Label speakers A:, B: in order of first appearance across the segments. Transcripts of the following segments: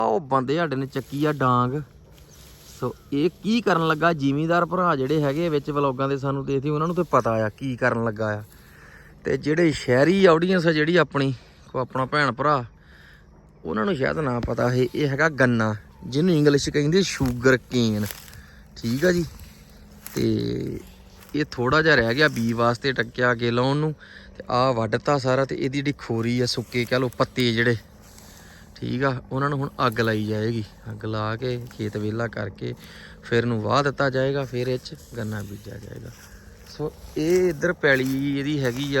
A: ਉਹ ਬੰਦੇ ਸਾਡੇ ਨੇ ਚੱਕੀ ਆ ਡਾਂਗ। ਸੋ ਇਹ ਕੀ ਕਰਨ ਲੱਗਾ, ਜ਼ਿਮੀਂਦਾਰ ਭਰਾ ਜਿਹੜੇ ਹੈਗੇ ਵਿੱਚ ਵਲੋਗਾਂ ਦੇ ਸਾਨੂੰ ਦੇਖਦੇ ਉਹਨਾਂ ਨੂੰ ਤਾਂ ਪਤਾ ਆ ਕੀ ਕਰਨ ਲੱਗਾ ਆ। ਤੇ ਜਿਹੜੇ ਸ਼ਹਿਰੀ ਆਡੀਅנס ਆ ਜਿਹੜੀ ਆਪਣੀ ਆਪਣਾ ਭੈਣ ਭਰਾ, ਉਹਨਾਂ ਨੂੰ ਸ਼ਾਇਦ ਨਾ ਪਤਾ ਇਹ ਹੈਗਾ ਗੰਨਾ, ਜਿਹਨੂੰ ਇੰਗਲਿਸ਼ 'ਚ ਕਹਿੰਦੇ ਸ਼ੂਗਰ ਕੇਨ। ਠੀਕ ਆ ਜੀ। ਤੇ ਇਹ ਥੋੜਾ ਜਿਹਾ ਰਹਿ ਗਿਆ ਬੀ ਵਾਸਤੇ ਟੱਕਿਆ ਅੱਗੇ ਲਾਉਣ ਨੂੰ, ਤੇ ਆਹ ਵੱਢਤਾ ਸਾਰਾ। ਤੇ ਇਹਦੀ ਜਿਹੜੀ ਖੋਰੀ ਆ, ਸੁੱਕੇ ਕਹਿ ਲਓ ਪੱਤੇ ਜਿਹੜੇ, ਠੀਕ ਆ, ਉਹਨਾਂ ਨੂੰ ਹੁਣ ਅੱਗ ਲਾਈ ਜਾਏਗੀ। ਅੱਗ ਲਾ ਕੇ ਖੇਤ ਵਿਹਲਾ ਕਰਕੇ ਫਿਰ ਇਹਨੂੰ ਵਾਹ ਦਿੱਤਾ ਜਾਏਗਾ, ਫਿਰ ਇਹ 'ਚ ਗੰਨਾ ਬੀਜਿਆ ਜਾਏਗਾ। ਸੋ ਇਹ ਇੱਧਰ ਪੈਲੀ ਇਹਦੀ ਹੈਗੀ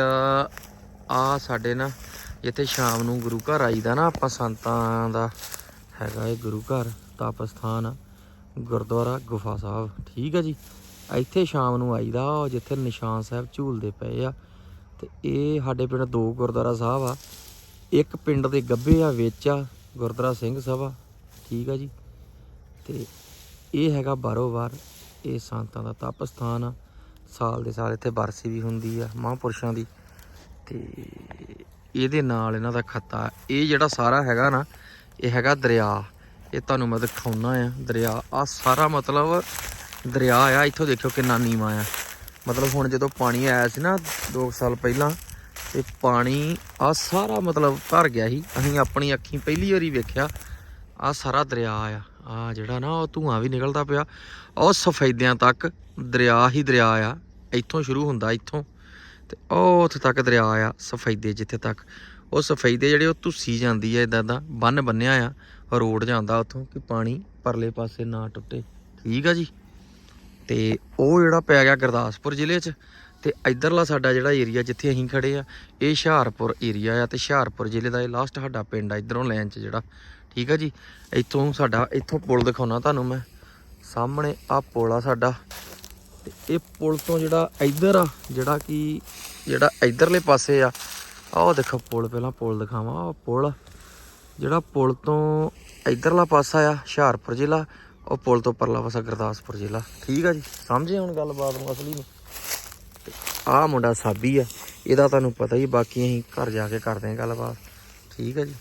A: ਆ ਸਾਡੇ ਨਾ ਜਿੱਥੇ ਸ਼ਾਮ ਨੂੰ ਗੁਰੂ ਘਰ ਆਈਦਾ ਨਾ ਆਪਾਂ, ਸੰਤਾਂ ਦਾ ਹੈਗਾ ਇਹ ਗੁਰੂ ਘਰ, ਤਪ ਸਥਾਨ ਆ, ਗੁਰਦੁਆਰਾ ਗੁਫਾ ਸਾਹਿਬ। ਠੀਕ ਆ ਜੀ। ਇੱਥੇ ਸ਼ਾਮ ਨੂੰ ਆਈਦਾ, ਜਿੱਥੇ ਨਿਸ਼ਾਨ ਸਾਹਿਬ ਝੂਲਦੇ ਪਏ ਆ। ਤੇ ਇਹ ਸਾਡੇ ਪਿੰਡ 2 ਗੁਰਦੁਆਰਾ ਸਾਹਿਬ ਆ। ਇੱਕ ਪਿੰਡ ਦੇ ਗੱਭੇ ਆ ਵਿੱਚ ਆ ਗੁਰਦੁਆਰਾ ਸਿੰਘ ਸਭਾ। ਠੀਕ ਆ ਜੀ। ਤੇ ਇਹ ਹੈਗਾ ਬਾਰੋ ਬਾਰ, ਇਹ ਸੰਤਾਂ ਦਾ ਤਪ ਸਥਾਨ ਆ। ਸਾਲ ਦੇ ਸਾਲ ਇੱਥੇ ਬਰਸੀ ਵੀ ਹੁੰਦੀ ਆ ਮਹਾਂਪੁਰਸ਼ਾਂ ਦੀ। ਤੇ ਇਹਦੇ ਨਾਲ ਇਹਨਾਂ ਦਾ ਖੱਤਾ। ਇਹ ਜਿਹੜਾ ਸਾਰਾ ਹੈਗਾ ਨਾ, ਇਹ ਹੈਗਾ ਦਰਿਆ। ਇਹ ਤੁਹਾਨੂੰ ਮੈਂ ਦਿਖਾਉਣਾ ਆ ਦਰਿਆ। ਆ ਸਾਰਾ ਮਤਲਬ ਦਰਿਆ ਆ। ਇੱਥੋਂ ਦੇਖਿਓ ਕਿੰਨਾ ਨੀਵਾਂ ਆ। ਮਤਲਬ ਹੁਣ ਜਦੋਂ ਪਾਣੀ ਆਇਆ ਸੀ ਨਾ 2 ਸਾਲ ਪਹਿਲਾਂ, ਤੇ ਪਾਣੀ ਆ ਸਾਰਾ ਮਤਲਬ ਭਰ ਗਿਆ ਸੀ। ਅਸੀਂ ਆਪਣੀ ਅੱਖੀਂ ਪਹਿਲੀ ਵਾਰੀ ਵੇਖਿਆ ਆ ਸਾਰਾ ਦਰਿਆ ਆ ਜਿਹੜਾ ਨਾ, ਉਹ ਧੂੰਆਂ ਵੀ ਨਿਕਲਦਾ ਪਿਆ। ਉਹ ਸਫੈਦਿਆਂ ਤੱਕ ਦਰਿਆ ਹੀ ਦਰਿਆ ਆ। ਇੱਥੋਂ ਸ਼ੁਰੂ ਹੁੰਦਾ, ਇੱਥੋਂ ਤੇ ਉਹ ਉੱਥੇ ਤੱਕ ਦਰਿਆ ਆ ਸਫੈਦੇ। ਜਿੱਥੇ ਤੱਕ ਉਹ ਸਫੈਦੇ ਜਿਹੜੇ ਉਹ ਧੁੱਸੀ ਜਾਂਦੀ ਆ, ਇੱਦਾਂ ਦਾ ਬੰਨ ਬੰਨਿਆ ਆ, ਰੋਡ ਜਾਂਦਾ ਉੱਥੋਂ ਕਿ ਪਾਣੀ ਪਰਲੇ ਪਾਸੇ ਨਾ ਟੁੱਟੇ। ਠੀਕ ਆ ਜੀ। ਤੇ ਉਹ ਜਿਹੜਾ ਪੈ ਗਿਆ ਗੁਰਦਾਸਪੁਰ ਜ਼ਿਲ੍ਹੇ 'ਚ। ਤੇ ਇੱਧਰਲਾ ਸਾਡਾ ਜਿਹੜਾ ਏਰੀਆ ਜਿੱਥੇ ਅਸੀਂ ਖੜੇ ਆ, ਇਹ ਹੁਸ਼ਿਆਰਪੁਰ ਏਰੀਆ ਆ। ਤੇ ਹੁਸ਼ਿਆਰਪੁਰ ਜ਼ਿਲ੍ਹੇ ਦਾ ਇਹ ਲਾਸਟ ਸਾਡਾ ਪਿੰਡ ਆ ਇੱਧਰੋਂ ਲਾਈਨ 'ਚ ਜਿਹੜਾ। ਠੀਕ ਆ ਜੀ। ਇੱਥੋਂ ਸਾਡਾ ਇੱਥੋਂ ਪੁਲ ਦਿਖਾਉਣਾ ਤੁਹਾਨੂੰ ਮੈਂ, ਸਾਹਮਣੇ ਆ ਪੁਲ ਆ ਸਾਡਾ। ਤੇ ਇਹ ਪੁਲ ਤੋਂ ਜਿਹੜਾ ਇੱਧਰ ਆ, ਜਿਹੜਾ ਇੱਧਰਲੇ ਪਾਸੇ ਆ, ਆਹ ਦੇਖੋ ਪੁਲ। ਪਹਿਲਾਂ ਪੁਲ ਦਿਖਾਵਾਂ। ਆਹ ਪੁਲ ਜਿਹੜਾ ਪੁਲ ਤੋਂ ਇੱਧਰਲਾ ਪਾਸਾ ਆ ਹੁਸ਼ਿਆਰਪੁਰ ਜ਼ਿਲ੍ਹਾ, ਉਹ ਪੁਲ ਤੋਂ ਪਰਲਾ ਪਾਸਾ ਗੁਰਦਾਸਪੁਰ ਜ਼ਿਲ੍ਹਾ। ਠੀਕ ਆ ਜੀ। ਸਮਝੇ ਹੁਣ ਗੱਲਬਾਤ ਨੂੰ ਅਸਲੀ ਨੂੰ। ਤੇ ਆਹ ਮੁੰਡਾ ਸਾਬੀ ਆ, ਇਹਦਾ ਤੁਹਾਨੂੰ ਪਤਾ ਹੀ। ਬਾਕੀ ਅਸੀਂ ਘਰ ਜਾ ਕੇ ਕਰਦੇ ਹਾਂ ਗੱਲਬਾਤ। ਠੀਕ ਆ ਜੀ।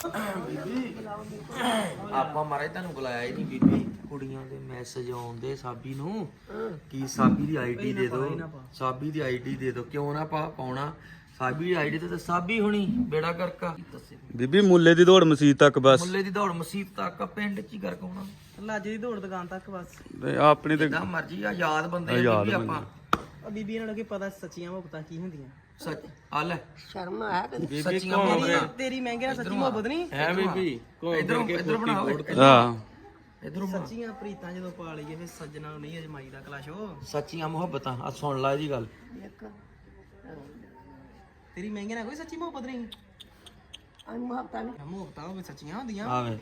A: ਆਪਾਂ ਮਹਾਰਾਜ ਤੁਹਾਨੂੰ ਬੁਲਾਇਆ ਹੀ ਨਹੀਂ ਬੀਬੀ। ਕੁੜੀਆਂ ਦੇ ਮੈਸੇਜ ਆਉਂਦੇ ਸਾਬੀ ਨੂੰ ਕਿ ਸਾਬੀ ਦੀ ਆਈਡੀ ਦੇ ਦਿਓ, ਸਾਬੀ ਦੀ ਆਈਡੀ ਦੇ ਦਿਓ। ਕਿਉਂ ਨਾ ਪਾਉਣਾ ਸਾਬੀ ਦੀ ਆਈਡੀ ਤੇ ਸਾਬੀ ਹੁਣੀ ਬੇੜਾ ਕਰਕਾ।
B: ਬੀਬੀ ਮੁੱਲੇ ਦੀ ਦੌੜ ਮਸੀਤ ਤੱਕ ਬਸ।
A: ਮੁੱਲੇ ਦੀ ਦੌੜ ਮਸੀਤ ਤੱਕ, ਪਿੰਡ 'ਚ ਹੀ ਗਰਕ ਹੋਣਾ।
C: ਲਾਜੇ ਦੀ ਦੌੜ ਦੁਕਾਨ ਤੱਕ ਬਸ।
B: ਆਪਣੀ ਤੇ
A: ਜਿੱਦਾਂ ਮਰਜੀ ਆ, ਯਾਦ ਬੰਦੇ ਆ ਬੀਬੀ ਆਪਾਂ।
C: ਬੀਬੀ ਇਹਨਾਂ ਨੂੰ ਕੀ ਪਤਾ ਸੱਚੀਆਂ ਮੁਹੱਬਤਾਂ ਕੀ ਹੁੰਦੀਆਂ।
A: ਸੱਚ ਆ ਲੈ
C: ਸ਼ਰਮ ਆਇਆ
A: ਬੀਬੀ ਸੱਚੀਆਂ ਮੁਹੱਬਤਾਂ
C: ਤੇਰੀ ਮਹਿੰਗੇ ਨਾਲ ਸੱਚੀ ਮੁਹੱਬਤ ਨਹੀਂ
A: ਹੈ ਬੀਬੀ। ਇਧਰ ਬਣਾਓ।
B: ਹਾਂ
A: ਇਧਰੋਂ
C: ਸੱਚੀਆਂ ਪ੍ਰੀਤਾਂ ਜਦੋਂ ਪਾ ਲਈਏ ਫਿਰ ਸੱਜਣਾ ਨੂੰ ਨਹੀਂ ਅਜਮਾਈ ਦਾ ਕਲਾਸ਼ੋ।
A: ਸੱਚੀਆਂ ਮੁਹੱਬਤਾਂ ਆ ਸੁਣ ਲੈ ਇਹਦੀ ਗੱਲ।
C: ਤੇਰੀ ਮਹਿੰਗੇ ਨਾਲ ਕੋਈ ਸੱਚੀ ਮੁਹੱਬਤ ਨਹੀਂ। ਮੁਹੱਬਤਾਂ ਹੋਵੇ ਸੱਚੀਆਂ ਹੁੰਦੀਆਂ।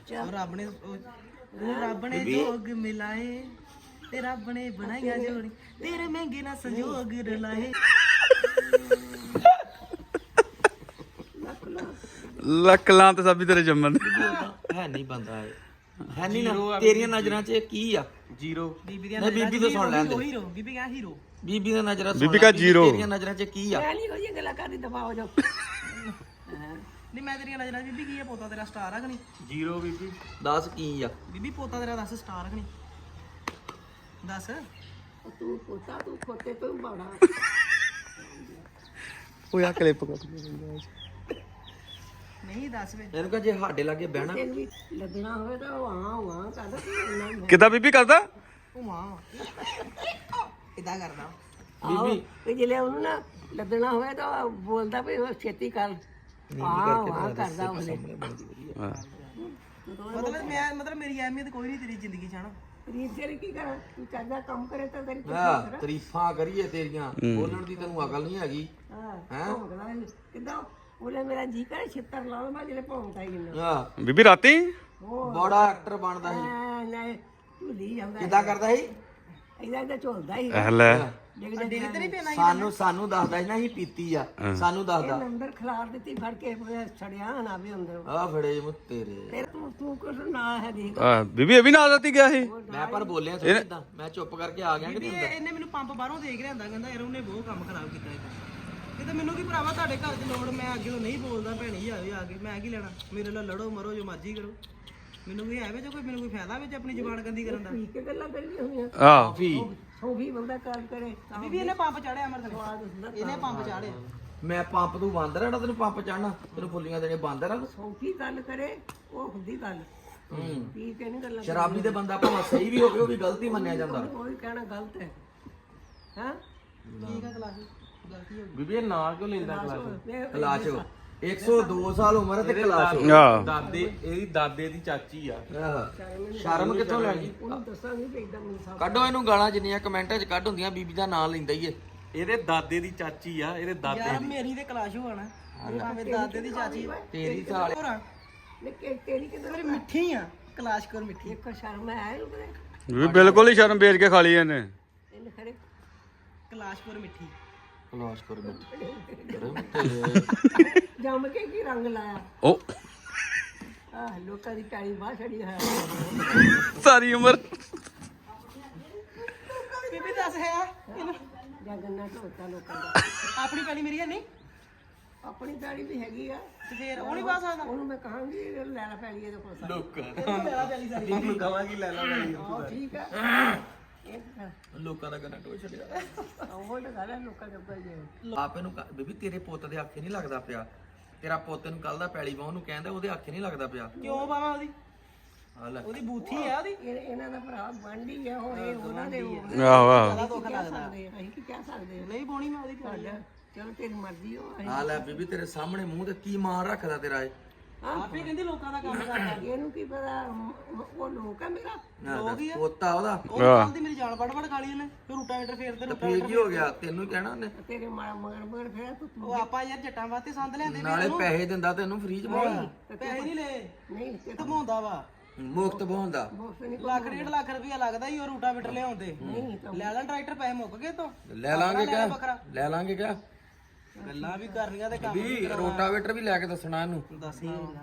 C: ਰੱਬ ਨੇ ਜੋਗ ਮਿਲਾਏ ਤੇ ਰੱਬ ਨੇ ਬਣਾਈਆਂ ਜੋੜੀ, ਤੇਰੇ ਮਹਿੰਗੇ ਨਾਲ ਸੰਜੋਗ ਰਲਾਏ।
B: ਲੱਖ ਲਾਂ ਤੇ ਸਾਬੀ ਤੇਰੇ ਜੰਮਣ
A: ਹੈ ਨਹੀਂ ਬੰਦਾ ਹੈ ਨਹੀਂ ਨਾ। ਤੇਰੀਆਂ ਨਜ਼ਰਾਂ 'ਚ ਕੀ ਆ? ਜ਼ੀਰੋ।
C: ਬੀਬੀ
A: ਨਹੀਂ ਬੀਬੀ ਤੋਂ ਸੁਣ ਲੈਂਦੇ।
C: ਹੀਰੋ ਬੀਬੀ ਕਾ ਹੀਰੋ।
A: ਬੀਬੀ ਦੀਆਂ ਨਜ਼ਰਾਂ
B: ਬੀਬੀ ਕਾ ਜ਼ੀਰੋ।
A: ਤੇਰੀਆਂ ਨਜ਼ਰਾਂ 'ਚ ਕੀ ਆ?
C: ਨਹੀਂ ਮੈਂ ਤੇਰੀਆਂ ਨਜ਼ਰਾਂ 'ਚ ਬੀਬੀ ਕੀ ਆ? ਪੋਤਾ ਤੇਰਾ ਸਟਾਰ ਆ ਕਿ ਨਹੀਂ?
A: ਜ਼ੀਰੋ ਬੀਬੀ। ਦੱਸ ਕੀ ਆ
C: ਬੀਬੀ? ਪੋਤਾ ਤੇਰਾ ਦੱਸ ਸਟਾਰ ਆ ਕਿ ਨਹੀਂ? ਦੱਸ।
D: ਤੂੰ ਪੋਤਾ ਤੂੰ ਖੋਤੇ ਤੂੰ ਬਾੜਾ।
B: ਉਹ ਆ ਕਲਿੱਪ ਕਰ।
C: ਨਹੀਂ ਦੱਸ ਵੇ।
A: ਇਹਨੂੰ ਕਹ ਜੇ ਸਾਡੇ ਲਾਗੇ ਬਹਿਣਾ
D: ਵੀ ਲੱਗਣਾ ਹੋਵੇ ਤਾਂ ਵਾਂ ਕਰਦਾ ਤੂੰ।
B: ਕਿੱਦਾਂ ਬੀਬੀ ਕਰਦਾ?
C: ਉਹ ਮਾਂ ਇਦਾਂ ਕਰਦਾ
D: ਬੀਬੀ ਵੀ ਜਿਹੜੇ ਉਹਨੂੰ ਨਾ ਲੱਗਣਾ ਹੋਵੇ ਤਾਂ ਬੋਲਦਾ ਵੀ ਉਹ ਛੇਤੀ ਕਰ। ਵਾਂ ਕਰਦਾ ਉਹਨੇ।
C: ਮਤਲਬ ਮੇਰੀ ਅਹਿਮੀਅਤ ਕੋਈ ਨਹੀਂ ਤੇਰੀ ਜ਼ਿੰਦਗੀ 'ਚ ਹਨਾ।
D: ਰੀਤ ਤੇਰੀ ਕੀ ਕਰ? ਤੂੰ ਕਰਦਾ ਕੰਮ ਕਰੇ ਤਾਂ ਤੇਰੀ
A: ਤਾਰੀਫਾਂ ਕਰੀਏ ਤੇਰੀਆਂ, ਬੋਲਣ ਦੀ ਤੈਨੂੰ ਅਕਲ ਨਹੀਂ ਹੈਗੀ।
D: ਕਿੱਦਾਂ ਉਹਨੇ ਮੇਰਾ ਜੀ ਕਰੇ ਛਿੱਤਰ ਲਾ ਮੈਂ ਜਿਹੜੇ ਭੌਂਕਦਾ ਹੀ ਨਾ।
A: ਹਾਂ
B: ਬੀਬੀ ਰਾਤੀ
A: ਬੜਾ ਐਕਟਰ ਬਣਦਾ ਸੀ।
D: ਨਹੀਂ ਝੂਲੀ ਜਾਂਦਾ
A: ਕਿੱਦਾਂ ਕਰਦਾ ਸੀ?
D: ਇਹਦਾ ਝੋਲਦਾ ਹੀ।
B: ਲੈ
C: ਡੇਲੀ ਤੇ ਨਹੀਂ ਪੈਣਾ।
A: ਸਾਨੂੰ ਦੱਸਦਾ ਸੀ ਨਾ ਅਸੀਂ ਪੀਤੀ ਆ। ਸਾਨੂੰ ਦੱਸਦਾ
D: ਅੰਦਰ ਖਿਲਾਰ ਦਿੱਤੀ ਫੜ ਕੇ ਛੜਿਆ ਨਾ ਵੀ ਅੰਦਰ।
A: ਆ ਫੜੇ ਮੁ ਤੇਰੇ।
D: ਫਿਰ ਤੂੰ ਕੁਛ ਨਾ ਹੈ ਦੇਖ।
B: ਬੀਬੀ ਇਹ ਵੀ ਨਾਲ ਰਾਤੀ ਗਿਆ ਸੀ।
A: ਮੈਂ ਪਰ ਬੋਲਿਆ ਥੋੜੀ ਇਦਾਂ, ਮੈਂ ਚੁੱਪ ਕਰਕੇ ਆ ਗਿਆ ਕਿ
C: ਇਹਨੇ ਮੈਨੂੰ ਪੰਪ ਬਾਹਰੋਂ ਦੇਖ ਰਿਹਾ ਹੁੰਦਾ, ਕਹਿੰਦਾ ਯਾਰ ਉਹਨੇ ਬਹੁਤ ਕੰਮ ਖਰਾਬ ਕੀਤਾ ਇਹ ਤਾਂ ਮੈਨੂੰ ਕੀ ਭਰਾਵਾ ਤੁਹਾਡੇ ਘਰ 'ਚ ਲੋੜ, ਮੈਂ ਅੱਗੇ ਤੋਂ ਨਹੀਂ ਬੋਲਦਾ। ਭੈਣੀ ਆਵੇ ਆ ਕੇ ਮੈਂ ਕੀ ਲੈਣਾ, ਮੇਰੇ ਨਾਲ ਲੜੋ ਮਰੋ ਜੋ ਮਰਜ਼ੀ ਕਰੋ। ਮੈਨੂੰ ਵੀ ਹੈ ਵਿੱਚ ਕੋਈ ਮੈਨੂੰ ਕੋਈ ਫਾਇਦਾ ਵਿੱਚ ਆਪਣੀ ਜ਼ੁਬਾਨ ਗੰਦੀ ਕਰਨ ਦਾ
D: ਠੀਕ ਗੱਲਾਂ ਕਰੀਆਂ ਹੋਈਆਂ
B: ਆਹ
D: ਸੋ ਵੀ ਬੰਦਾ ਕੰਮ ਕਰੇ ਤਾਂ
C: ਬੀਬੀ ਇਹਨੇ ਪੰਪ ਚਾੜਿਆ ਅਮਰ ਥਲੇ ਇਹਨੇ ਪੰਪ ਚਾੜਿਆ
A: ਮੈਂ ਪੰਪ ਤੂੰ ਬੰਦ ਰਹਿਣਾ ਤੈਨੂੰ ਪੰਪ ਚੜਨਾ ਤੈਨੂੰ ਫੁੱਲੀਆਂ ਦੇਣੇ ਬੰਦ ਰਹਿਣਾ
D: ਸੌਖੀ ਗੱਲ ਕਰੇ ਉਹ ਹੁੰਦੀ ਗੱਲ ਠੀਕ ਹੈ ਨਹੀਂ ਗੱਲਾਂ
A: ਸ਼ਰਾਬੀ ਦੇ ਬੰਦਾ ਭਾਵੇਂ ਸਹੀ ਵੀ ਹੋਵੇ ਉਹ ਵੀ ਗਲਤੀ ਮੰਨਿਆ ਜਾਂਦਾ
D: ਕੋਈ ਕਹਿਣਾ ਗਲਤ ਹੈ ਹਾਂ
C: ਠੀਕ ਆ ਕਲਾਸ ਗਲਤੀ ਹੋ
A: ਬੀਬੀ ਇਹ ਨਾਂ ਕਿਉਂ ਲੈਂਦਾ ਕਲਾਸ਼ 102 ਸਾਲ ਉਮਰ ਤੇ ਕਲਾਸ਼
B: ਆਹ
E: ਦਾਦੇ ਇਹਦੀ ਦਾਦੇ ਦੀ ਚਾਚੀ ਆ
A: ਸ਼ਰਮ ਕਿੱਥੋਂ ਲੈਣੀ
D: ਉਹਨੂੰ ਦੱਸਾਂਗੇ ਵੀ ਇਦਾਂ ਮੈਨੂੰ
A: ਕੱਢੋ ਇਹਨੂੰ ਗਾਲਾਂ ਜਿੰਨੀਆਂ ਕਮੈਂਟਾਂ 'ਚ ਕੱਢ ਹੁੰਦੀਆਂ ਬੀਬੀ ਦਾ ਨਾਂ ਲੈਂਦਾ ਹੀ ਏ
E: ਇਹਦੇ ਦਾਦੇ ਦੀ ਚਾਚੀ ਆ ਇਹਦੇ ਦਾਦੇ
C: ਯਾਰ ਮੇਰੀ ਤੇ ਕਲਾਸ਼ ਹੋਣਾ ਭਾਵੇਂ ਦਾਦੇ ਦੀ ਚਾਚੀ
A: ਤੇਰੀ ਸਾਲ
C: ਹੋਰ
D: ਲੇਕਿਨ ਤੇਰੀ ਕਿਦਾਂ
C: ਮੇਰੀ ਮਿੱਠੀ ਆ ਕਲਾਸ਼ ਕਰ ਮਿੱਠੀ
D: ਇੱਕ ਸ਼ਰਮ ਹੈ ਇਹਨੂੰ ਕਰੇ
B: ਵੀ ਬਿਲਕੁਲ ਹੀ ਸ਼ਰਮ ਵੇਚ ਕੇ ਖਾ ਲਈ ਇਹਨੇ
D: ਇਹਨੇ ਖਰੇ
C: ਕਲਾਸ਼ਪੁਰ ਮਿੱਠੀ
A: ਕਲਾਸ਼ ਕਰ
D: ਜੰਮ ਕੇ ਕੀ ਰੰਗ ਲਾਇਆ
B: ਉਹ
D: ਆਹ ਲੋਕਾਂ ਦੀ ਟਾਣੀ ਬਾਹ ਛੜੀ ਹੈ
B: ਸਾਰੀ ਉਮਰ
C: ਬੀਬੀ ਦੱਸ ਹੈ ਇਹਨੂੰ
D: ਜਾਂ ਗੰਨਾ ਢੋਤਾ ਲੋਕਾਂ ਦਾ
C: ਆਪਣੀ ਪੈਲੀ ਮੇਰੀ ਹੈ ਨਹੀਂ
D: ਆਪਣੀ ਟਾਣੀ ਵੀ ਹੈਗੀ ਆ
C: ਤੇ ਫੇਰ ਉਹ ਨਹੀਂ ਪਾ ਸਕਦਾ
D: ਉਹਨੂੰ ਮੈਂ ਕਹਾਂਗੀ ਇਹ ਲੈ ਲੈ ਪੈਲੀ ਇਹਦੇ ਕੋਲ
C: ਇਹਨੂੰ ਮੇਰਾ ਪੈਲੀ ਸਾਰੀ
E: ਉਹਨੂੰ ਕਵਾਂਗੀ ਲੈ ਲਾ ਲੈ
D: ਆਹ ਠੀਕ ਹੈ ਇਹ ਤਾਂ
A: ਲੋਕਾਂ ਦਾ ਗੰਨਾ ਟੋਚ ਛੱਡਿਆ
D: ਉਹ ਤਾਂ ਗੱਲ ਹੈ ਲੋਕਾਂ ਦੇ ਉੱਪਰ ਜੇ
A: ਆਪੇ ਨੂੰ ਬੀਬੀ ਤੇਰੇ ਪੁੱਤ ਦੇ ਆਖੇ ਨਹੀਂ ਲੱਗਦਾ ਪਿਆ ਤੇਰਾ ਪੁੱਤ ਨੂੰ ਕੱਲ ਦਾ ਪੈਲੀ ਬਾਹ ਨੂੰ ਕਹਿੰਦਾ ਉਹਦੇ ਆਖੇ ਨਹੀਂ ਲੱਗਦਾ ਪਿਆ
C: ਕਿਉਂ ਪਾਵਾਂ ਉਹਦੀ
A: ਆ ਲੈ
C: ਉਹਦੀ ਬੂਥੀ ਆ ਉਹਦੀ
D: ਇਹਨਾਂ ਦਾ ਭਰਾ ਬਣਦੀ ਆ ਉਹ ਇਹ ਉਹਨਾਂ ਦੇ
B: ਆਹੋ ਆਹੋ
C: ਬੜਾ ਦੁੱਖ ਲੱਗਦਾ
D: ਅਸੀਂ ਕੀ ਕਹਿ ਸਕਦੇ ਹਾਂ
C: ਨਹੀਂ ਪਾਉਣੀ ਮੈਂ ਉਹਦੀ ਪੈਲੀ
D: ਚਲੋ ਤੇਰੀ ਮਰਜ਼ੀ ਹੋ
A: ਆ ਲੈ ਬੀਬੀ ਤੇਰੇ ਸਾਹਮਣੇ ਮੂੰਹ ਤੇ ਕੀ ਮਾਰ ਰੱਖਦਾ ਤੇਰਾ ਇਹ
C: ਆਪੇ ਕਹਿੰਦੀ ਲੋਕਾਂ ਦਾ ਕੰਮ ਕਰਦਾ
D: ਇਹਨੂੰ ਕੀ ਪਤਾ ਉਹ ਲੋਕ ਆ ਮੇਰਾ
A: ਪੋਤਾ ਉਹਦਾ
C: ਉਹ ਕੱਲ ਦੀ ਮੇਰੀ ਜਾਨ ਵੜ ਖਾ ਲਈ ਉਹਨੇ ਫਿਰ ਰੂਟਾਵੇਟਰ ਫੇਰਦੇ
A: ਫੇਰ ਕੀ ਹੋ ਗਿਆ ਤੈਨੂੰ ਹੀ ਕਹਿਣਾ ਉਹਨੇ
D: ਤੇਰੇ ਮਗਰ ਫੇਰ ਤੂੰ
C: ਉਹ ਆਪਾਂ ਯਾਰ ਜੱਟਾਂ ਵਾਸਤੇ ਸੰਦ ਲਿਆਂਦੇ
A: ਨਾਲੇ ਪੈਸੇ ਦਿੰਦਾ ਤੈਨੂੰ ਫ੍ਰੀ ਚ ਬਾਉਣਾ
C: ਪੈਸੇ ਨਹੀਂ ਲਏ
D: ਨਹੀਂ ਤੇ
C: ਧਮਾਉਂਦਾ ਵਾ
A: ਮੁਫਤ ਬਹਾਉਂਦਾ
D: ਮੁਫਤ ਨਹੀਂ
C: ਲੱਖ 1.5 ਲੱਖ ਰੁਪਇਆ ਲੱਗਦਾ ਹੀ ਉਹ ਰੂਟਾਵੇਟਰ ਲਿਆਉਂਦੇ ਲੈ ਲੈਣ ਟਰੈਕਟਰ ਪੈਸੇ ਮੁੱਕ ਗਏ ਤੋਂ
A: ਲੈ ਲਾਂਗੇ ਕਿਆ ਲੈ ਲਾਂਗੇ ਕਿਆ
C: ਗੱਲਾਂ ਵੀ ਕਰਨੀਆਂ ਤੇ ਕੰਮ
A: ਵੀ ਰੋਟਾਵੇਟਰ ਵੀ ਲੈ ਕੇ ਦੱਸਣਾ ਇਹਨੂੰ
C: ਦੱਸ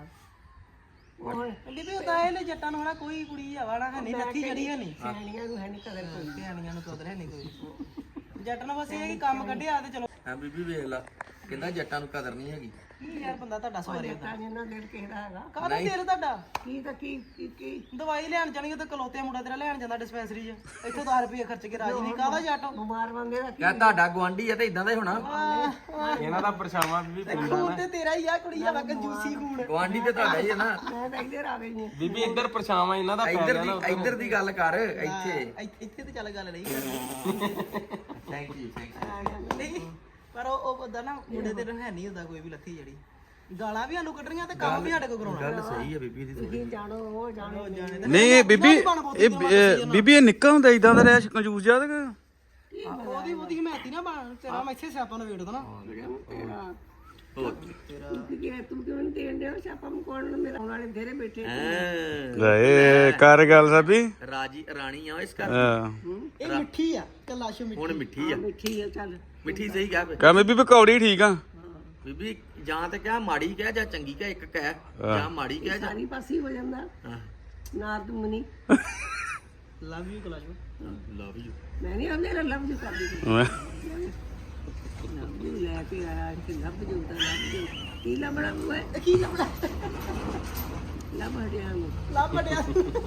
C: ਕਹਿੰਦੀ ਵੀ ਉਹਦਾ ਇਹ ਜੱਟਾਂ ਨੂੰ ਹਨਾ ਕੋਈ ਕੁੜੀ ਆਵਾਣਾ ਹੈ ਨਹੀਂ ਲੱਥੀ ਜੜੀ ਹੈ ਨਹੀਂ
D: ਸਿਆਣੀਆਂ ਨੂੰ ਹੈ ਨਹੀਂ ਕਦਰ ਕੋਈ
C: ਸਿਆਣੀਆਂ ਨੂੰ ਕਦਰ ਹੈ ਨਹੀਂ ਕੋਈ ਜੱਟ ਨੂੰ ਬਸ ਇਹ ਹੈ ਕਿ ਕੰਮ ਕੱਢਿਆ ਤੇ ਚਲੋ
A: ਹਾਂ ਬੀਬੀ ਵੇਖ ਲਾ ਕਹਿੰਦਾ ਜੱਟਾਂ ਨੂੰ ਕਦਰ ਨਹੀਂ ਹੈਗੀ
C: ਕੀ ਯਾਰ ਬੰਦਾ ਤੁਹਾਡਾ ਸਵਾਰੇ
D: ਤਾਂ ਜਿੰਨਾ ਦਿਲ ਕਿਹੜਾ ਹੈਗਾ
C: ਕਾਹਦਾ ਦਿਲ ਤੁਹਾਡਾ
D: ਕੀ ਤਾਂ ਕੀ
C: ਦਵਾਈ ਲੈਣ ਜਾਣਗੇ ਤੇ ਕਲੋਤੇ ਮੁੰਡਾ ਤੇਰਾ ਲੈਣ ਜਾਂਦਾ ਡਿਸਪੈਂਸਰੀ 'ਚ ਇੱਥੋਂ 10 ਰੁਪਏ ਖਰਚ ਕੇ ਰਾਜੀ ਨਹੀਂ ਕਾਹਦਾ ਜੱਟ
D: ਬਿਮਾਰ ਬੰਦੇ ਦਾ
A: ਕਿਆ ਤੁਹਾਡਾ ਗਵਾਂਢੀ ਆ ਤੇ ਇਦਾਂ ਦਾ ਹੀ ਹੋਣਾ
E: ਇਹਨਾਂ ਦਾ ਪਰਛਾਵਾਂ ਵੀ
C: ਖੂਨ ਤੇ ਤੇਰਾ ਹੀ ਆ ਕੁੜੀ ਆ ਕੰਜੂਸੀ ਖੂਨ
A: ਗਵਾਂਢੀ ਤੇ ਤੁਹਾਡਾ ਹੀ ਹੈ ਨਾ
D: ਮੈਂ ਤਾਂ ਇੱਧਰ ਆ ਗਈ ਹਾਂ
E: ਬੀਬੀ ਇੱਧਰ ਪਰਛਾਵਾਂ ਇਹਨਾਂ ਦਾ
A: ਇੱਧਰ ਦੀ ਗੱਲ ਕਰ ਇੱਥੇ
C: ਇੱਥੇ ਤੇ ਚੱਲ ਗੱਲ ਨਹੀਂ ਕਰਨੀ
A: ਥੈਂਕ ਯੂ
C: ਨਹੀਂ ਪਰ ਉਹ ਬੰਦਾ ਨਾ ਮੁੰਡੇ ਤੇ ਹੈ ਨਹੀਂ ਹੁੰਦਾ ਕੋਈ ਵੀ ਲੱਥੀ ਜੜੀ ਗਾਲਾਂ ਵੀ ਸਾਨੂੰ ਕੱਢਣੀਆਂ ਤੇ ਕੰਮ ਵੀ ਸਾਡੇ ਕੋਲ ਕਰਾਉਣਾ
A: ਗੱਲ ਸਹੀ ਹੈ ਬੀਬੀ ਦੀ
D: ਤੁਸੀਂ ਜਾਣੋ ਉਹ ਜਾਣੋ
B: ਨਹੀਂ ਬੀਬੀ ਇਹ ਬੀਬੀ ਇਹ ਨਿੱਕਾ ਹੁੰਦਾ ਇਦਾਂ ਦਾ ਰਿਹਾ ਕੰਜੂਸ ਜਿਹਾ ਤੇ
C: ਉਹਦੀ ਹਮਾਇਤੀ ਨਾ ਬਣ ਤੇਰਾ ਮੈਂ ਇੱਥੇ ਸਿਆਪਾਂ ਨੂੰ ਵੇੜਦਾ ਨਾ
D: ਤੂੰ ਕਿਉਂ ਨਹੀਂ ਦੇਣ ਡਿਆ ਛਾਪਾ ਮਕੌਣ ਨੂੰ ਮੇਰਾ ਵਾਲੇ ਘਰੇ ਬੈਠੇ
B: ਲੈ ਕਰ ਗੱਲ ਸਾਬੀ
A: ਰਾਜੀ ਰਾਣੀ ਆ ਇਸ ਘਰ
B: ਹਾਂ
C: ਇਹ ਮਿੱਠੀ ਆ ਕਲਾਸ਼ੋ ਮਿੱਠੀ
A: ਹੁਣ ਮਿੱਠੀ ਆ
D: ਮਿੱਠੀ ਆ ਚੱਲ
A: ਮਿੱਠੀ ਸਹੀ ਕਹਿ
B: ਕਹ ਬੀਬੀ ਪਕੌੜੀ ਠੀਕ ਆ
A: ਬੀਬੀ ਜਾਂ ਤੇ ਕਹਿ ਮਾੜੀ ਕਹਿ ਜਾਂ ਚੰਗੀ ਕਹਿ ਇੱਕ ਕਹਿ ਜਾਂ ਮਾੜੀ ਕਹਿ ਜਾਂ
D: ਸਾਰੀ ਪਾਸੇ ਹੋ ਜਾਂਦਾ
A: ਹਾਂ
D: ਨਾ ਤੂੰ ਮਨੀ
C: ਲਵ ਯੂ ਕਲਾਸ਼ੋ
A: ਲਵ ਯੂ
D: ਮੈਂ ਨਹੀਂ ਆਉਂਦੇ ਲੱਭ ਜੂ ਕਰਦੀ
B: ਮੈਂ-
D: ਲੱਭ ਜੂ ਲੈ ਕੇ ਆਇਆ ਕਿ ਲੱਭ ਜੂ ਤਾਂ ਲੱਭ ਜੂ ਕੀ ਲੱਭਣਾ ਬੁਆ
C: ਕੀ ਲੱਭਦਾ
D: ਲੱਭ ਹਟਿਆ ਨੂੰ
C: ਲੱਭ ਡਿਆ